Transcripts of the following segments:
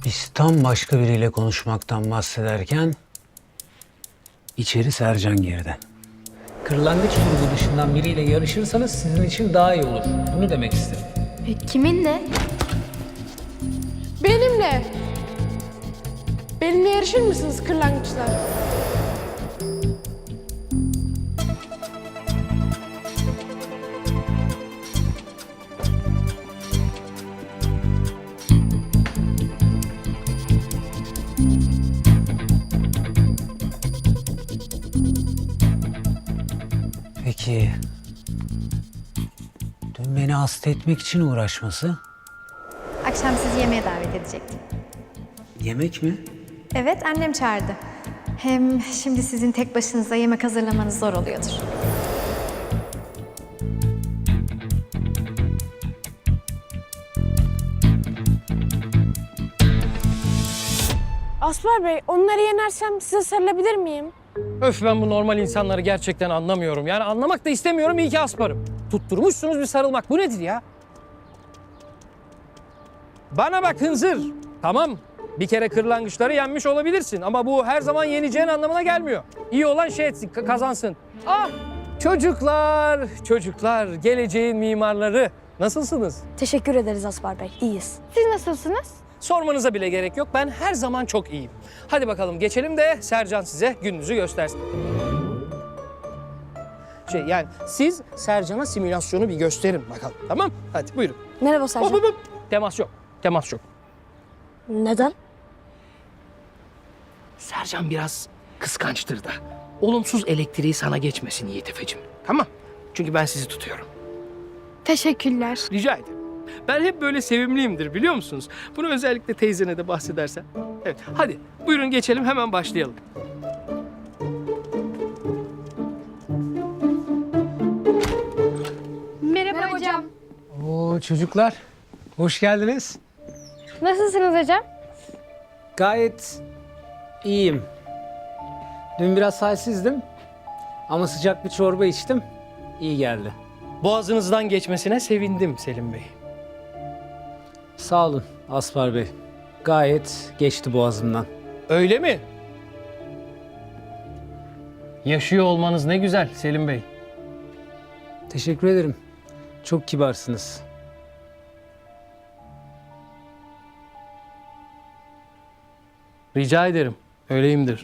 Biz tam başka biriyle konuşmaktan bahsederken içeri Sercan girdi. Kırlangıç grubu dışından biriyle yarışırsanız sizin için daha iyi olur. Bunu demek istedim. Kiminle? Benimle. Benimle yarışır mısınız kırlangıçlar? Peki... Dün beni hasta etmek için uğraşması? Akşam sizi yemeğe davet edecektim. Yemek mi? Evet, annem çağırdı. Hem şimdi sizin tek başınıza yemek hazırlamanız zor oluyordur. Aspar Bey, onları yenersem size sarılabilir miyim? Öf, ben bu normal insanları gerçekten anlamıyorum. Yani anlamak da istemiyorum, iyi ki asparım. Tutturmuşsunuz bir sarılmak. Bu nedir ya? Bana bak hınzır. Tamam, bir kere kırlangıçları yenmiş olabilirsin. Ama bu her zaman yeneceğin anlamına gelmiyor. İyi olan şey etsin, kazansın. Ah, çocuklar, geleceğin mimarları. Nasılsınız? Teşekkür ederiz Aspar Bey. İyiyiz. Siz nasılsınız? Sormanıza bile gerek yok. Ben her zaman çok iyiyim. Hadi bakalım geçelim de Sercan size gününüzü göstersin. Yani siz Sercan'a simülasyonu bir gösterin bakalım. Tamam? Hadi buyurun. Merhaba Sercan. Hop. Temas yok. Temas yok. Neden? Sercan biraz kıskançtır da. Olumsuz elektriği sana geçmesin Yiğit Efe'cim. Tamam? Çünkü ben sizi tutuyorum. Teşekkürler. Rica ederim. Ben hep böyle sevimliyimdir biliyor musunuz? Bunu özellikle teyzene de bahsedersen. Evet, hadi buyurun geçelim, hemen başlayalım. Merhaba hocam. Oo çocuklar, hoş geldiniz. Nasılsınız hocam? Gayet iyiyim. Dün biraz halsizdim ama sıcak bir çorba içtim. İyi geldi. Boğazınızdan geçmesine sevindim Selim Bey. Sağ olun Aspar Bey. Gayet geçti boğazımdan. Öyle mi? Yaşıyor olmanız ne güzel Selim Bey. Teşekkür ederim. Çok kibarsınız. Rica ederim. Öyleyimdir.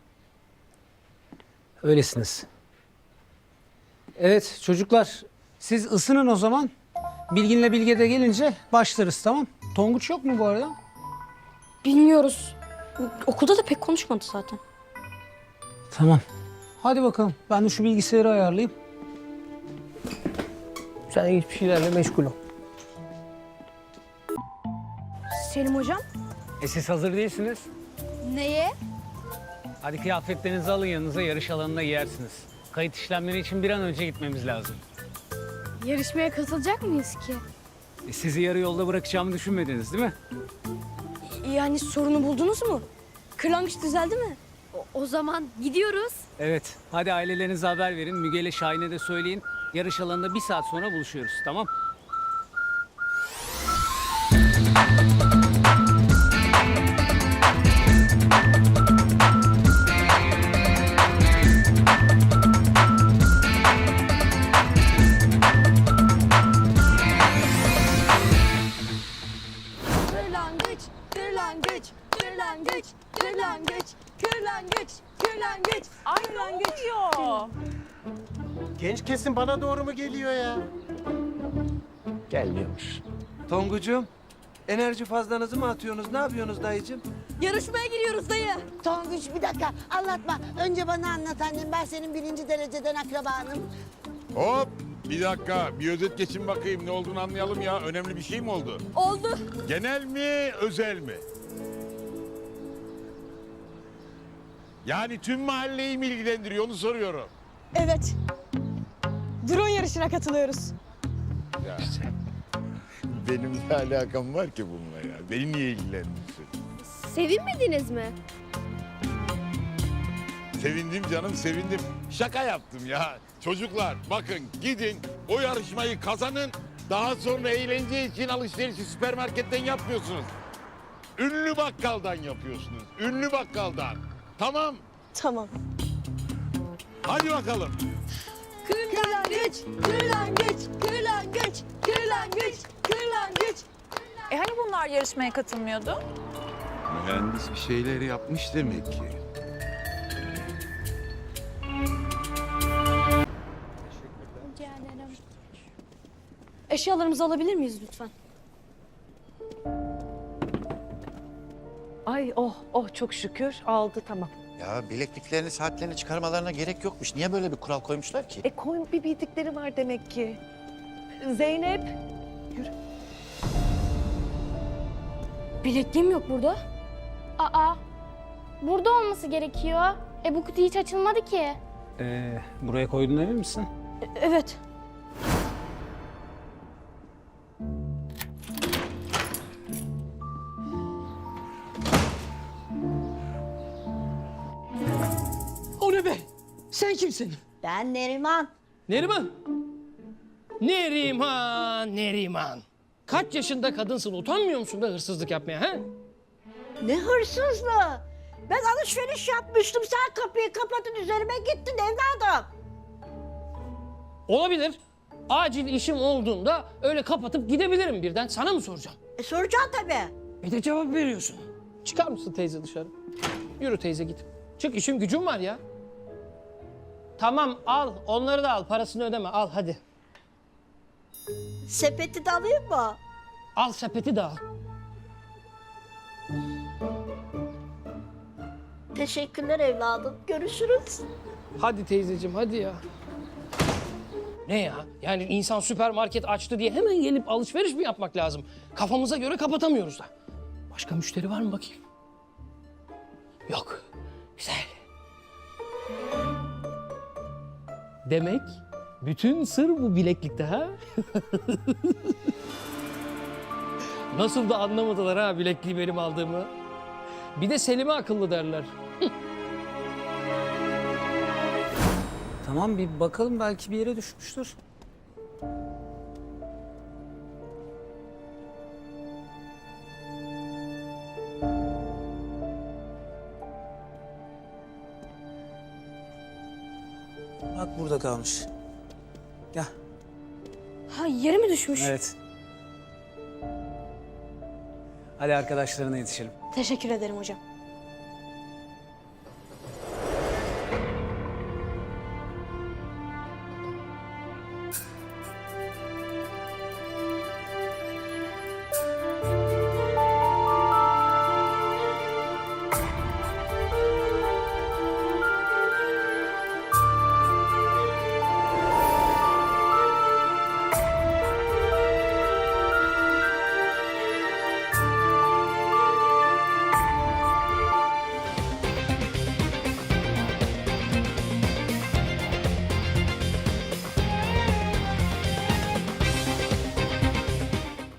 Öylesiniz. Evet çocuklar, siz ısının o zaman. Bilgin'le Bilge de gelince başlarız, tamam? Tonguç yok mu bu arada? Bilmiyoruz. Okulda da pek konuşmadı zaten. Tamam. Hadi bakalım. Ben de şu bilgisayarı ayarlayayım. Sen hiçbir şeylerle meşgul ol. Selim hocam. Siz hazır değilsiniz. Neye? Hadi kıyafetlerinizi alın yanınıza, yarış alanına giyersiniz. Kayıt işlemleri için bir an önce gitmemiz lazım. Yarışmaya katılacak mıyız ki? Sizi yarı yolda bırakacağımı düşünmediniz değil mi? Yani sorunu buldunuz mu? Kırlangıç düzeldi mi? O zaman gidiyoruz. Evet. Hadi ailelerinize haber verin. Müge ile Şahin'e de söyleyin. Yarış alanında 1 saat sonra buluşuyoruz, tamam? Kırlangıç, kırlangıç, kırlangıç, kırlangıç, kırlangıç, kırlangıç. Ay ne oluyor? Genç kesim bana doğru mu geliyor ya? Gelmiyormuş. Tongucuğum, enerji fazlanızı mı atıyorsunuz? Ne yapıyorsunuz dayıcığım? Yarışmaya giriyoruz dayı. Tonguç bir dakika anlatma. Önce bana anlat annem. Ben senin 1. dereceden akrabanım. Hop! Bir dakika, bir özet geçin bakayım ne olduğunu anlayalım ya. Önemli bir şey mi oldu? Oldu. Genel mi, özel mi? Yani tüm mahalleyi mi ilgilendiriyor onu soruyorum. Evet. Drone yarışına katılıyoruz. Ya. Benim ne alakam var ki bununla ya? Beni niye ilgilendirsin? Sevinmediniz mi? Sevindim canım, sevindim. Şaka yaptım ya. Çocuklar bakın gidin o yarışmayı kazanın. Daha sonra eğlence için alışverişi süpermarketten yapmıyorsunuz. ünlü bakkaldan yapıyorsunuz. Ünlü bakkaldan. Tamam. Tamam. Hadi bakalım. Kırlangıç, kırlangıç, kırlangıç, kırlangıç, kırlangıç. Hani bunlar yarışmaya katılmıyordu? Mühendis bir şeyler yapmış demek ki. Eşyalarımızı alabilir miyiz lütfen? Ay oh çok şükür aldı tamam. Ya bilekliklerini, saatlerini çıkarmalarına gerek yokmuş. Niye böyle bir kural koymuşlar ki? Koyun bir bildikleri var demek ki. Zeynep. Bilekliğim yok burada. Aa, burada olması gerekiyor. Bu kutu hiç açılmadı ki. Buraya koydun emin misin? Evet. O ne be? Sen kimsin? Ben Neriman. Neriman. Neriman. Kaç yaşında kadınsın? Utanmıyor musun be hırsızlık yapmaya ha? Ne hırsızlığı? Ben alışveriş yapmıştım. Sen kapıyı kapatın üzerime gittin evladım. Olabilir. Acil işim olduğunda öyle kapatıp gidebilirim birden. Sana mı soracağım? Soracağım tabii. Bir de cevap veriyorsun. Çıkar mısın teyze dışarı? Yürü teyze git. Çık işim gücüm var ya. Tamam al. Onları da al. Parasını ödeme. Al hadi. Sepeti de alayım mı? Al sepeti de al. Teşekkürler evladım. Görüşürüz. Hadi teyzeciğim hadi ya. Ne ya? Yani insan süpermarket açtı diye hemen gelip alışveriş mi yapmak lazım? Kafamıza göre kapatamıyoruz da. Başka müşteri var mı bakayım? Yok. Güzel. Demek bütün sır bu bileklikte ha? Nasıl da anlamadılar ha bilekliği benim aldığımı. Bir de Selim'e akıllı derler. Tamam bir bakalım belki bir yere düşmüştür. Bak burada kalmış. Gel. Ha yere mi düşmüş? Evet. Hadi arkadaşlarına yetişelim. Teşekkür ederim hocam.